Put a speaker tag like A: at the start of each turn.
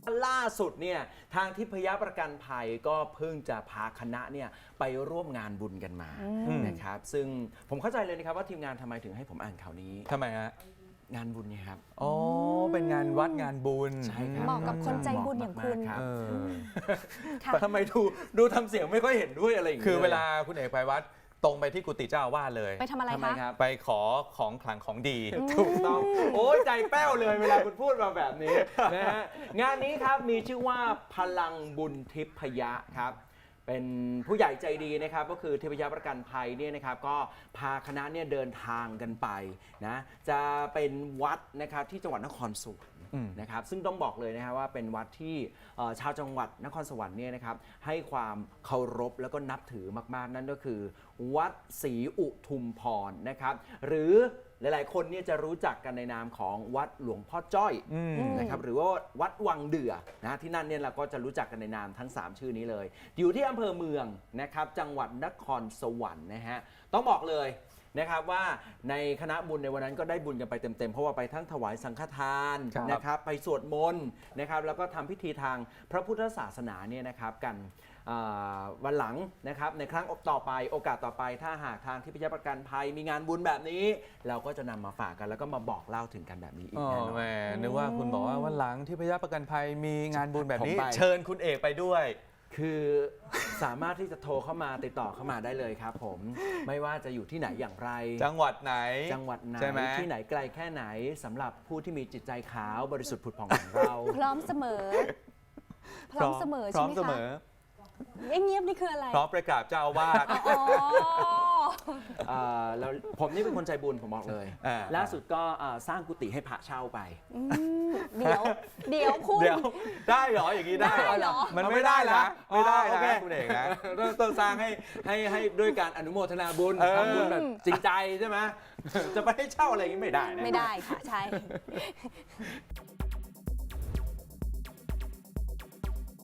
A: ล่าสุดเนี่ยทางทิพยประกันภัยก็เพิ่งจะพาคณะเนี่ยไปร่วมงานบุญกันมานะครับซึ่งผมเข้าใจเลยนะครับว่าทีมงานทำไมถึงให้ผมอ่านข่าวนี้
B: ทำไมฮะ
A: งานบุญเนี่ยครับ
B: อ๋อเป็นงานวัดงานบุญ
A: ใช่ครับ
C: เหมาะกับคนใจบุญอย่างคุณ
A: ครับ
C: ค่ะ
A: ทำไมดูทำเสียงไม่ค่อยเห็นด้วยอะไรอย่าง
B: คือ
A: งี้ย
B: เวลาคุณเอกไปวัดตรงไปที่กุฏิเจ้าอาวาสเลย
C: ไปทำอะไร
A: ทำไม
C: คะ
A: ครับ
B: ไปขอของขลังของดี
A: ถูกต้องโอ้ยใจแป้วเลยเวลาคุณพูดมาแบบนี้นะฮะงานนี้ครับมีชื่อว่าพลังบุญทิพยะครับเป็นผู้ใหญ่ใจดีนะครับก็คือทิพยประกันภัยเนี่ยนะครับก็พาคณะเนี่ยเดินทางกันไปนะจะเป็นวัดนะครับที่จังหวัดนครสวรรค์นะครับซึ่งต้องบอกเลยนะครับว่าเป็นวัดที่ชาวจังหวัดนครสวรรค์เนี่ยนะครับให้ความเคารพแล้วก็นับถือมากๆนั่นก็คือวัดศรีอุทุมพรนะครับหรือหลายๆคนเนี่ยจะรู้จักกันในนามของวัดหลวงพ่อจ้อยนะครับหรือว่าวัดวังเดือนะที่นั่นเนี่ยเราก็จะรู้จักกันในนามทั้ง 3 ชื่อนี้เลย อยู่ที่อำเภอเมืองนะครับจังหวัดนครสวรรค์นะฮะต้องบอกเลยนะครับว่าในคณะบุญในวันนั้นก็ได้บุญกันไปเต็มๆเพราะว่าไปทั้งถวายสังฆทานนะครับไปสวดมนต์นะครับแล้วก็ทำพิธีทางพระพุทธศาสนาเนี่ยนะครับกันวันหลังนะครับในครั้งต่อไปโอกาสต่อไปถ้าหากทางทิพยประกันภัยมีงานบุญแบบนี้ เราก็จะนำมาฝากกันแล้วก็มาบอกเล่าถึงกันแบบนี้อีก
B: อ๋อ
A: แน่นอน
B: แหมนึกว่าคุณบอกว่าวันหลังที่พยาประกันภัยมีงานบุญแบบนี้
A: ผมไป
B: เชิญคุณเอกไปด้วย
A: คือสามารถที่จะโทรเข้ามาติดต่อเข้ามาได้เลยครับผมไม่ว่าจะอยู่ที่ไหนอย่างไร
B: จังหวัดไหน
A: จังหวัดไหน
B: ใช่ไหม
A: ที่ไหนไกลแค่ไหนสำหรับผู้ที่มีจิตใจขาวบริสุทธิ์ผุดผ่องของเรา
C: พร้อมเสมอ พร้อมเสมอ
B: พ
C: ใช่
B: ร้อ
C: ไห
B: ม
C: ม
B: เสม
C: คะ
B: อ
C: เงียบๆนี่คืออะไร
B: พร้อมประกราบเจ้าอาวาส
C: อ๋อ
A: แล้วผมนี่เป็นคนใจบุญผมบอกเลย
B: อ่า
A: ล่าสุดก็สร้างกุฏิให้พระเช่าไป
C: เดี๋ยวคุณ
B: เดี๋ยวได้เหรออย่างนี้ได้
C: ได้เหรอ
B: มันไม่ได้นะไม่ได้
A: โอเค
B: นะคุณเอกนะ
A: ต้องสร้างให้ด้วยการอนุโมทนาบุญ
B: เออ
A: ทำบุญแบบจริงใจใช่ไหมจะไปให้เช่าอะไรอย่างนี้ไม่ได้นะ
C: ไม่ได้ค่ะ ใช่